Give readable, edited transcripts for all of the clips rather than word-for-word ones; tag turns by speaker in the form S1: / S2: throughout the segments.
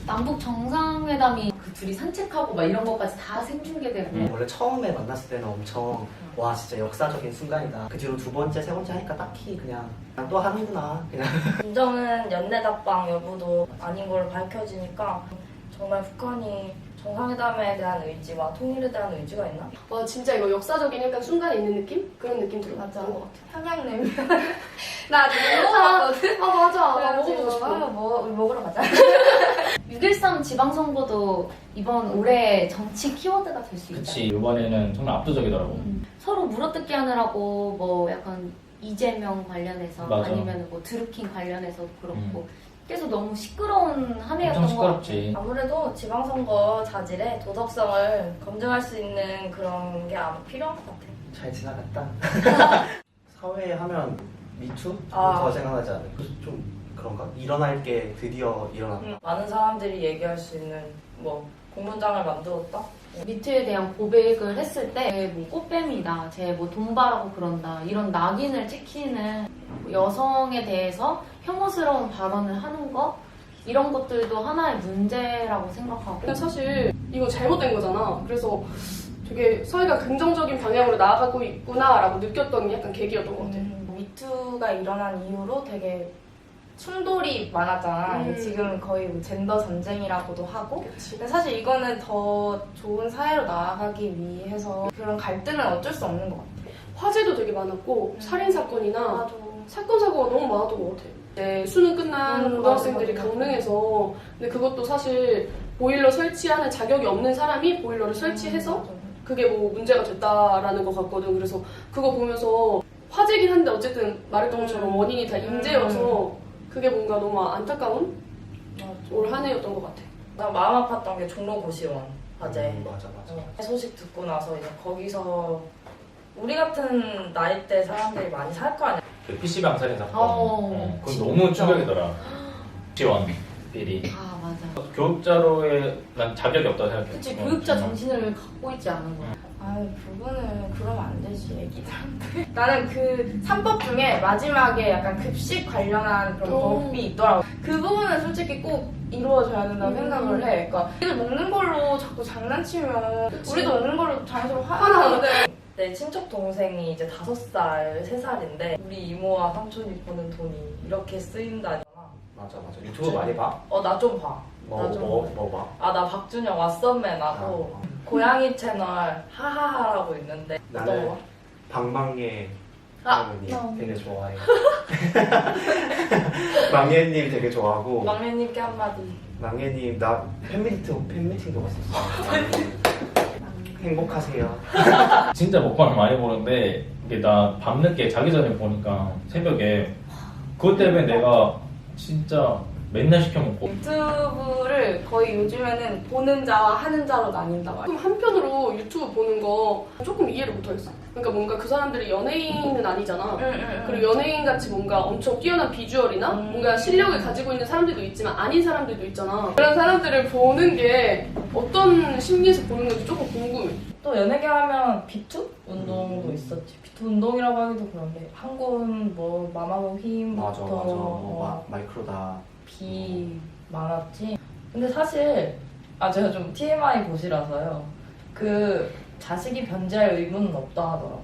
S1: 남북 정상회담이 그 둘이 산책하고 막 이런 것까지 다 생중계되고
S2: 원래 처음에 만났을 때는 엄청 와 진짜 역사적인 순간이다. 그 뒤로 두 번째, 세 번째 하니까 딱히 그냥 또 하는구나 그냥.
S3: 김정은 연내답방 여부도 아닌 걸로 밝혀지니까 정말 북한이 정상회담에 대한 의지와 통일에 대한 의지가 있나?
S4: 와 진짜 이거 역사적인 약간 순간에 있는 느낌? 그런 느낌 들어.
S3: 맞아.
S4: 것 같아.
S3: 평양냉면. 나 아직 먹어봤거든.
S4: 아 맞아. 나
S3: 그래가지고
S4: 먹어보고 싶어.
S3: 우리 먹으러 가자.
S1: 6.13 지방선거도 이번 올해 정치 키워드가 될 수 있다.
S5: 그치, 이번에는 정말 압도적이더라고.
S1: 서로 물어뜯기 하느라고 뭐 약간 이재명 관련해서
S5: 맞아.
S1: 아니면 뭐 드루킹 관련해서도 그렇고 계속 너무 시끄러운 한 해였던
S5: 엄청
S1: 것 같아.
S5: 시끄럽지.
S3: 아무래도 지방선거 자질의 도덕성을 검증할 수 있는 그런 게 아마 필요한 것 같아.
S2: 잘 지나갔다. 사회에 하면 미투?
S3: 아.
S2: 더 생각나지 않아요? 좀 그런가? 일어날 게 드디어 일어났다.
S3: 많은 사람들이 얘기할 수 있는 뭐 공문장을 만들었다.
S1: 미투에 대한 고백을 했을 때 뭐 꽃뱀이다, 쟤 뭐 돈 바라고 그런다 이런 낙인을 찍히는 여성에 대해서 혐오스러운 발언을 하는 것 이런 것들도 하나의 문제라고 생각하고
S4: 근데 사실 이거 잘못된 거잖아. 그래서 되게 사회가 긍정적인 방향으로 나아가고 있구나라고 느꼈던 약간 계기였던 것 같아.
S3: 미투가 일어난 이후로 되게 충돌이 많았잖아. 지금 거의 뭐 젠더 전쟁이라고도 하고.
S4: 그치.
S3: 근데 사실 이거는 더 좋은 사회로 나아가기 위해서 그런 갈등은 어쩔 수 없는 것 같아.
S4: 화재도 되게 많았고 살인 사건이나
S3: 맞아.
S4: 사건 사고가 너무 많았던 것 같아. 이제 수능 끝난 고등학생들이
S3: 맞아.
S4: 강릉에서 근데 그것도 사실 보일러 설치하는 자격이 없는 사람이 보일러를 설치해서 그게 뭐 문제가 됐다라는 것 같거든. 그래서 그거 보면서 화재긴 한데 어쨌든 말했던 것처럼 원인이 다 인재여서 그게 뭔가 너무 안타까운 올 한 해였던 것 같아.
S3: 나 마음 아팠던 게 종로고시원 화재.
S2: 맞아.
S3: 소식 듣고 나서 이제 거기서 우리 같은 나이대 사람들이 많이 살 거 아니야.
S5: 그 PC방 살인 사건. 그건
S1: 진짜.
S5: 너무 충격이더라. 지원 비리.
S1: 아 맞아.
S5: 교육자로의 난 자격이 없다고 생각해.
S1: 그치 교육자 정신을 갖고 있지 않은 거야.
S3: 아유, 그거는 그러면 안 되지, 애기들한테. 나는 그 3법 중에 마지막에 약간 급식 관련한 그런 법이 있더라고. 그 부분은 솔직히 꼭 이루어져야 된다고 생각을 해. 그러니까 애들 먹는 걸로 자꾸 장난치면 우리도 먹는 걸로 자연스러워 화나는데. 내 친척 동생이 이제 5살, 3살인데 우리 이모와 삼촌이 버는 돈이 이렇게 쓰인다잖아.
S2: 맞아. 유튜브 많이 봐?
S3: 나 좀 봐.
S2: 뭐 봐?
S3: 아, 나 박준영 왓썸맨하고 고양이 채널 하하하라고 있는데 어떤
S2: 나는
S3: 거?
S2: 방망예
S3: 아,
S2: 할머니 되게 좋아해. 망예님 되게 좋아하고
S3: 막내님께 한마디.
S2: 망예님 나 팬미팅도 갔었어. 행복하세요.
S5: 진짜 먹방 많이 보는데 이게 나 밤늦게 자기 전에 보니까 새벽에 그것 때문에 내가 진짜 맨날 시켜 먹고.
S3: 유튜브를 거의 요즘에는 보는 자와 하는 자로 나뉜다고.
S4: 조금 한편으로 유튜브 보는 거 조금 이해를 못하겠어. 그러니까 뭔가 그 사람들이 연예인은 아니잖아. 그리고 연예인 같이 뭔가 엄청 뛰어난 비주얼이나 뭔가 실력을 가지고 있는 사람들도 있지만 아닌 사람들도 있잖아. 그런 사람들을 보는 게 어떤 심리에서 보는 건지 조금 궁금해.
S3: 또 연예계 하면 비투 운동도 있었지. 비투 운동이라고 하기도 그런데 한군 뭐 마마무 힘부터
S2: 마이크로다.
S3: 비 많았지. 근데 사실 제가 좀 TMI 고시라서요. 그 자식이 변제할 의무는 없다 하더라고.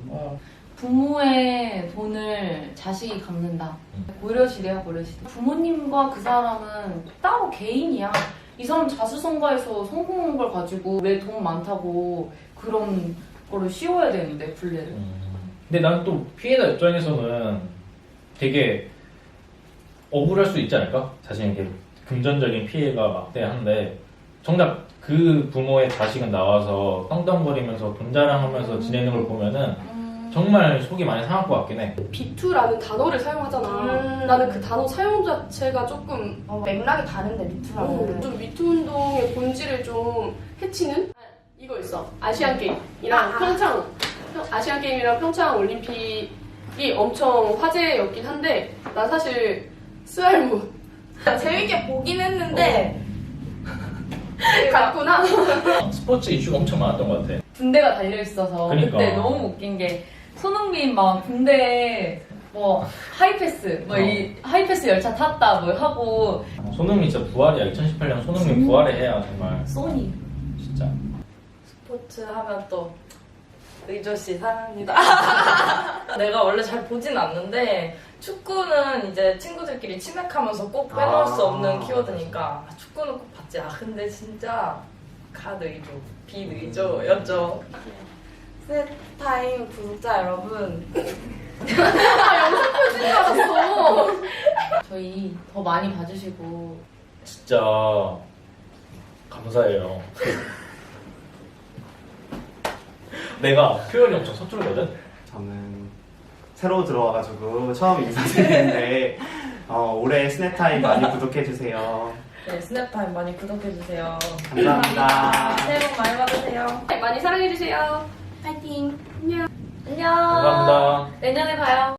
S1: 부모의 돈을 자식이 갚는다. 고려시대야 고려시대. 부모님과 그 사람은 따로 개인이야. 이 사람 자수성가해서 성공한 걸 가지고 왜 돈 많다고 그런 거를 씌워야 되는데 분례를.
S5: 근데 난 또 피해자 입장에서는 되게 억울할 수 있지 않을까? 자신에게 금전적인 피해가 막대한데 정작 그 부모의 자식은 나와서 떵떵거리면서 돈 자랑하면서 지내는 걸 보면은 정말 속이 많이 상할 것 같긴 해.
S4: 비투라는 단어를 사용하잖아. 나는 그 단어 사용 자체가 조금
S3: 맥락이 다른데 미투랑은.
S4: 좀 미투 운동의 본질을 좀 해치는 이거 있어. 아시안 게임이랑 아시안 게임이랑 평창 올림픽이 엄청 화제였긴 한데 나 사실 스알무
S3: 재밌게 보긴 했는데
S4: 갔구나.
S5: 스포츠 이슈가 엄청 많았던 것 같아.
S1: 군대가 달려있어서
S5: 그러니까.
S1: 그때 너무 웃긴 게 손흥민 막 군대에 뭐 하이패스 뭐 이 하이패스 열차 탔다 뭐 하고
S5: 손흥민 진짜 부활이야. 2018년 손흥민 부활을 해야 정말
S1: 소니.
S5: 진짜.
S3: 스포츠 하면 또 의조씨 사랑합니다. 내가 원래 잘 보진 않는데 축구는 이제 친구들끼리 치맥하면서 꼭 빼놓을 수 없는 키워드니까 축구는 꼭 봤지. 근데 진짜 가의조, 비의조였죠. 스타임 구독자 여러분,
S1: 저희 더 많이 봐주시고
S5: 진짜 감사해요. 내가 표현이 엄청 서투르거든?
S6: 저는 새로 들어와가지고 처음 인사드리는데 올해 스냅타임 많이 구독해주세요.
S3: 네, 스냅타임 많이 구독해주세요.
S6: 감사합니다.
S3: 새해 복 많이 받으세요.
S4: 많이 사랑해주세요.
S3: 파이팅!
S1: 안녕.
S5: 감사합니다.
S1: 내년에 봐요.